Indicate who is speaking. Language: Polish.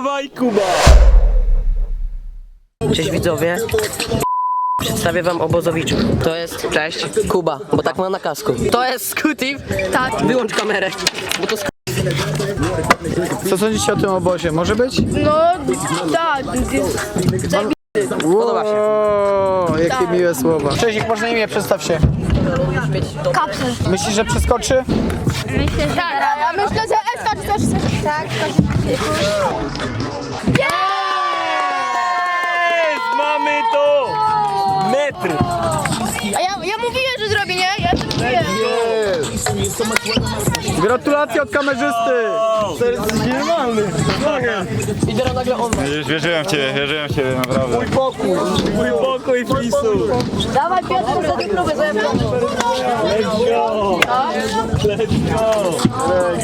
Speaker 1: Dawaj, Kuba!
Speaker 2: Cześć widzowie. Przedstawię wam obozowiczów. To jest, cześć, Kuba, bo tak ma na kasku. To jest Skutif. Tak. Wyłącz kamerę, bo to
Speaker 3: Co sądzicie o tym obozie? Może być?
Speaker 4: No tak,
Speaker 2: podoba się.
Speaker 3: O, jakie miłe słowa. Cześć, jak można imię? Przedstaw się.
Speaker 4: kapsel.
Speaker 3: Myślisz, że przeskoczy?
Speaker 4: Myślę, że tak. Ja myślę, że Eska czy coś. Tak,
Speaker 1: Mamy to! Metr!
Speaker 4: A ja mówiłem, że zrobię, nie? Ja to mówiłem.
Speaker 3: Gratulacje od kamerzysty!
Speaker 1: To jest normalny!
Speaker 2: I teraz nagle on.
Speaker 5: Wierzyłem w ciebie, naprawdę.
Speaker 1: Mój pokój flisu!
Speaker 4: Dawaj Piotr, za tę próbę, za
Speaker 1: Let's go! Let's go!